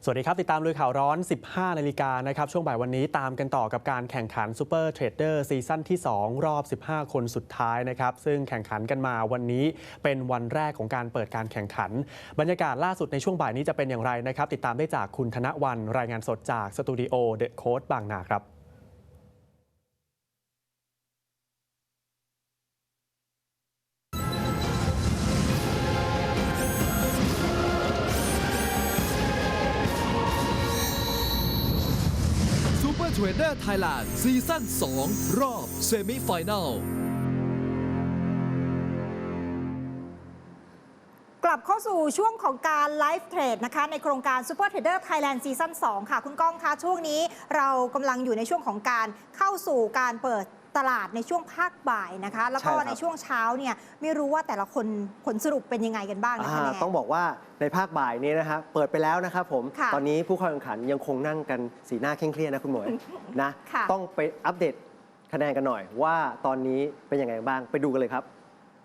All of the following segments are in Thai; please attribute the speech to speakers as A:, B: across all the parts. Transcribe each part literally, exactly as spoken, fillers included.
A: สวัสดีครับติดตามลุยข่าวร้อน สิบห้า นาฬิกานะครับช่วงบ่ายวันนี้ตามกันต่อกับการแข่งขันซูเปอร์เทรดเดอร์ซีซั่นที่ สอง รอบ สิบห้า คนสุดท้ายนะครับซึ่งแข่งขันกันมาวันนี้เป็นวันแรกของการเปิดการแข่งขันบรรยากาศล่าสุดในช่วงบ่ายนี้จะเป็นอย่างไรนะครับติดตามได้จากคุณธนวรรณรายงานสดจากสตูดิโอเดอะโค้ชบางนาครับ
B: เทรดเดอร์ไทยแลนด์ซีซั่น สอง รอบเซมิไฟแนล
C: กลับเข้าสู่ช่วงของการไลฟ์เทรดนะคะในโครงการ Super Trader Thailand ซีซั่น สอง ค่ะคุณก้องคะช่วงนี้เรากำลังอยู่ในช่วงของการเข้าสู่การเปิดตลาดในช่วงภาคบ่ายนะคะแล้วก็ในช่วงเช้าเนี่ยไม่รู้ว่าแต่ละคนผลสรุปเป็นยังไงกันบ้างนะคะ
D: ต้องบอกว่าในภาคบ่ายนี้นะครับเปิดไปแล้วนะครับผมตอนนี้ผู้เข้าแข่งขันยังคงนั่งกันสีหน้าเคร่งเครียดนะคุณหมวยนะต้องไปอัปเดตคะแนนกันหน่อยว่าตอนนี้เป็นยังไงบ้างไปดูกันเลยครับ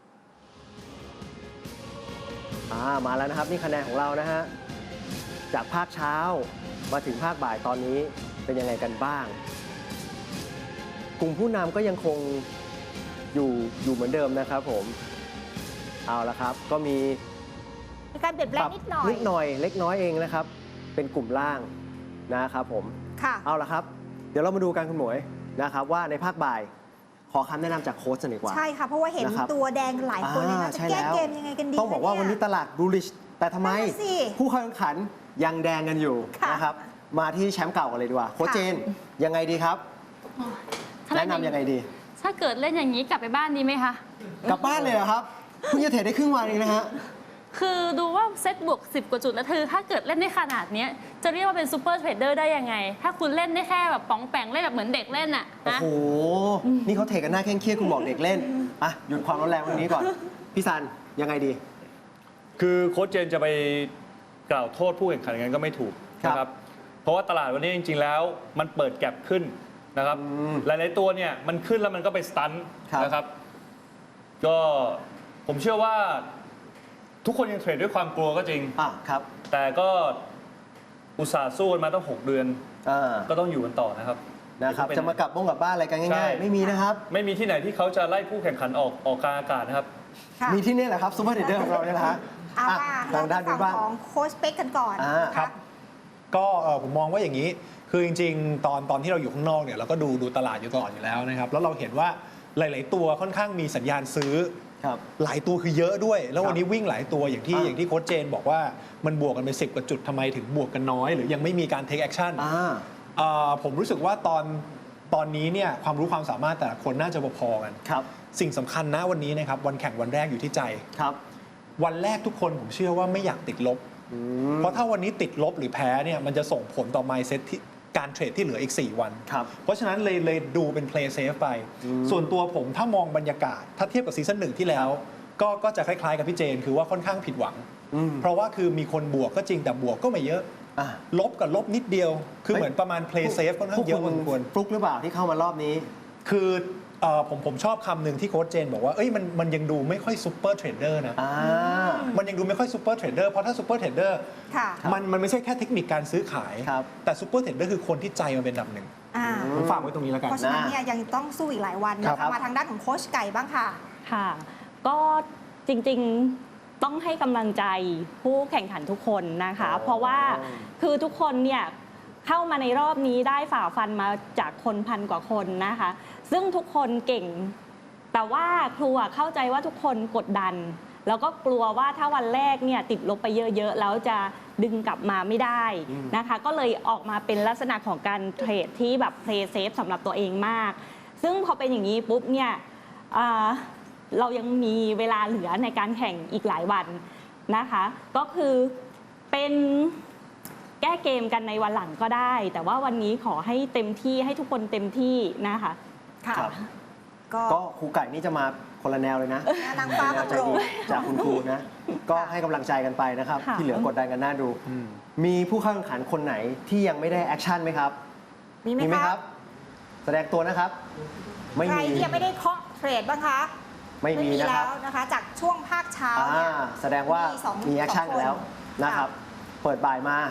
D: มาแล้วนะครับนี่คะแนนของเรานะฮะจากภาคเช้ามาถึงภาคบ่ายตอนนี้เป็นยังไงกันบ้างกลุ่มผู้นำก็ยังคงอยู่อยู่เหมือนเดิมนะครับผมเอาละครับก็มี
C: การเปลี่ยนแปลงนิดหน่อย
D: นิดหน่อยเล็กน้อยเองนะครับเป็นกลุ่มล่างนะครับผม
C: ค่ะ
D: เอาละครับเดี๋ยวเรามาดูกันคุณหมวยนะครับว่าในภาคบ่ายขอคำแนะนำจากโค้ชจะดีกว่า
C: ใช่ค่ะเพราะว่าเห็นตัวแดงหลายคนเลยนะจะแก้เกมยังไงกันดี
D: ต้องบอกว่าวันนี้ตลาดบูลลิชแต่ทำไมผู้เข้าแข่งขันยังแดงกันอยู่นะครับมาที่แชมป์เก่ากันเลยดีกว่าโค้ชเจนยังไงดีครับแนะนำยังไงดี
E: ถ้าเกิดเล่นอย่างนี้กลับไปบ้านดีไหมคะ
D: กลับบ้านเลยเหรอครับเพิ่งจะเทรดได้ครึ่งวันเองนะฮะ
E: คือดูว่าเซตบวกสิบกว่าจุดแล้วคือถ้าเกิดเล่นได้ขนาดนี้จะเรียกว่าเป็นซูเปอร์เทรดเดอร์ได้ยังไงถ้าคุณเล่นได้แค่แบบป๋องแปงเล่นแบบเหมือนเด็กเล่นอ่ะ
D: โอ้โหนี่เขาเทรดกันหน้าเคร่งเครียดคุณบอกเด็กเล่นอ่ะหยุดความร้อนแรงวันนี้ก่อนพี่ซันยังไงดี
F: คือโค้ชเจนจะไปกล่าวโทษผู้แข่งขันกันก็ไม่ถูกนะครับเพราะว่าตลาดวันนี้จริงๆแล้วมันเปิดแก็ปขึ้นนะครับหลายๆตัวเนี่ยมันขึ้นแล้วมันก็ไปสตันนะครับก็ผมเชื่อว่าทุกคนยังเทรดด้วยความกลัวก็จริง
D: อ่ะครับ
F: แต่ก็อุตส่าห์สู้กันมาตั้งหกเดือนก็ต้องอยู่กันต่อนะครับ
D: นะครับจะมากลับบ้งกลับบ้านอะไรกันง่ายๆไม่มีนะครับ
F: ไม่มีที่ไหนที่เขาจะไล่ผู้แข่งขันออกออกกลางอากาศนะครับ
D: มีที่นี่แหละครับซูเปอร์เทรดเดอร์ของเราเนี่ยนะฮะ
C: เอาทางด้านฝั่งของโค้ชเป๊กกันก่อน
G: ครับก็ผมมองว่าอย่างนี้คือจริงๆตอนตอนที่เราอยู่ข้างนอกเนี่ยเราก็ดูดูตลาดอยู่ตลอดอยู่แล้วนะครับแล้วเราเห็นว่าหลายๆตัวค่อนข้างมีสัญญาณซื้อหลายตัวคือเยอะด้วยแล้ววันนี้วิ่งหลายตัวอย่างที่อย่างที่โค้ชเจนบอกว่ามันบวกกันไปสิบกว่าจุดทำไมถึงบวกกันน้อยหรือยังไม่มีการเทคแอคชั่นผมรู้สึกว่าตอนตอนนี้เนี่ยความรู้ความสามารถแต่ละคนน่าจะพอๆกันสิ่งสำคัญนะวันนี้นะครับวันแข่งวันแรกอยู่ที่ใจวันแรกทุกคนผมเชื่อว่าไม่อยากติดลบเพราะถ้าวันนี้ติดลบหรือแพ้เนี่ยมันจะส่งผลต่อ mindset ที่การเทรดที่เหลืออีกสี่วันเพราะฉะนั้นเลยเลยดูเป็น play safe ไปส่วนตัวผมถ้ามองบรรยากาศถ้าเทียบกับซีซั่นหนึ่งที่แล้วก็ก็จะคล้ายๆกับพี่เจนคือว่าค่อนข้างผิดหวังเพราะว่าคือมีคนบวกก็จริงแต่บวกก็ไม่เยอะลบกับลบนิดเดียวคือเหมือนประมาณ play safe ค่อนข้างเยอะพอสมควร
D: ฟลุกหรือเปล่าที่เข้ามารอบนี้
G: คือผมผมชอบคำหนึ่งที่โค้ชเจนบอกว่าเอ้ยมันมันยังดูไม่ค่อยซูเปอร์เทรดเดอร์นะมันยังดูไม่ค่อยซูเปอร์เทรดเดอร์เพราะถ้าซูเปอร์เทรดเดอร์มันมันไม่ใช่แค่เทคนิคการซื้อขายแต่ซูเปอร์เทรดเดอร์คือคนที่ใจมันเป็นอันดับหนึ่งผมฝากไว้ตรงนี้แล้วกัน
C: เพราะฉะนั้นเนี่ยยังต้องสู้อีกหลายวันนะคะมาทางด้านของโค้ชไก่บ้างค่ะ
H: ค่ะก็จริงๆต้องให้กำลังใจผู้แข่งขันทุกคนนะคะเพราะว่าคือทุกคนเนี่ยเข้ามาในรอบนี้ได้ฝ่าฟันมาจากคนพันกว่าคนนะคะซึ่งทุกคนเก่งแต่ว่าครูเข้าใจว่าทุกคนกดดันแล้วก็กลัวว่าถ้าวันแรกเนี่ยติดลบไปเยอะๆแล้วจะดึงกลับมาไม่ได้นะคะก็เลยออกมาเป็นลักษณะของการเทรดที่แบบ play safe สำหรับตัวเองมากซึ่งพอเป็นอย่างนี้ปุ๊บเนี่ยเรายังมีเวลาเหลือในการแข่งอีกหลายวันนะคะก็คือเป็นแก้เกมกันในวันหลังก็ได้แต่ว่าวันนี้ขอให้เต็มที่ให้ทุกคนเต็มที่นะคะ
C: ค่ะ
D: ก็ครูไก่นี่จะมาคนละแนวเลยนะ
C: นางฟ้า
D: ใจดีจากคุณครูนะก็ให้กำลังใจกันไปนะครับที่เหลือกดดันกันน่าดูมีผู้เข้าแข่งขันคนไหนที่ยังไม่ได้แอคชั่นไหมครับ
C: มีไหมครับ
D: แสดงตัวนะครับ
C: ไม่มีใครที่ยังไม่ได้เคาะเทรดบ้างคะ
D: ไม่มีนะครับ
C: นะคะจากช่วงภาคเช้าเนี่ย
D: แสดงว่ามีแอคชั่นกันแล้วนะครับเปิดบ่ายมา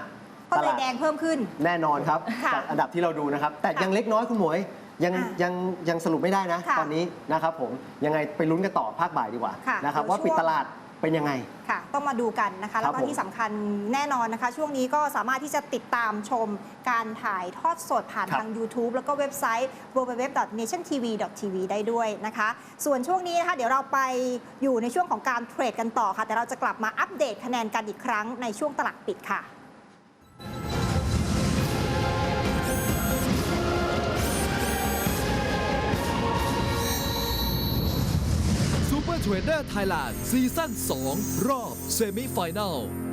C: ก็เลย
D: ตลาด
C: แดงเพิ่มขึ้น
D: แน่นอนครับ
C: ค่ะ
D: จากอันดับที่เราดูนะครับ แต่
C: ค่ะ
D: ยังเล็กน้อยคุณหมวยยัง
C: อ่ะ
D: ยังยังสรุปไม่ได้นะ
C: ค่ะ
D: ตอนนี้นะครับผมยังไงไปลุ้นกันต่อภาคบ่ายดีกว่า
C: ค่ะ
D: นะครับ
C: เดี๋ยว
D: ว่าปิด
C: ช่วง
D: ตลาดเป็นยังไง
C: ค่ะ ต้องมาดูกันนะคะ แล้วก็
D: ครับผม
C: ที่สำคัญแน่นอนนะคะ ช่วงนี้ก็สามารถที่จะติดตามชมการถ่ายทอดสดผ่าน
D: ครับ
C: ทาง YouTube แล้วก็เว็บไซต์ ดับเบิลยู ดับเบิลยู ดับเบิลยู ดอท เนชั่น ที วี ดอท ที วี ได้ด้วยนะคะ ส่วนช่วงนี้นะคะ เดี๋ยวเราไปอยู่ในช่วงของการเทรดกันต่อค่ะ แต่เราจะกลับมาอัปเดตคะแนนกันอีกครั้งในช่วงตลาดปิดค่ะ
B: Super Trader Thailand ซีซั่นสองรอบเซมิไฟแนล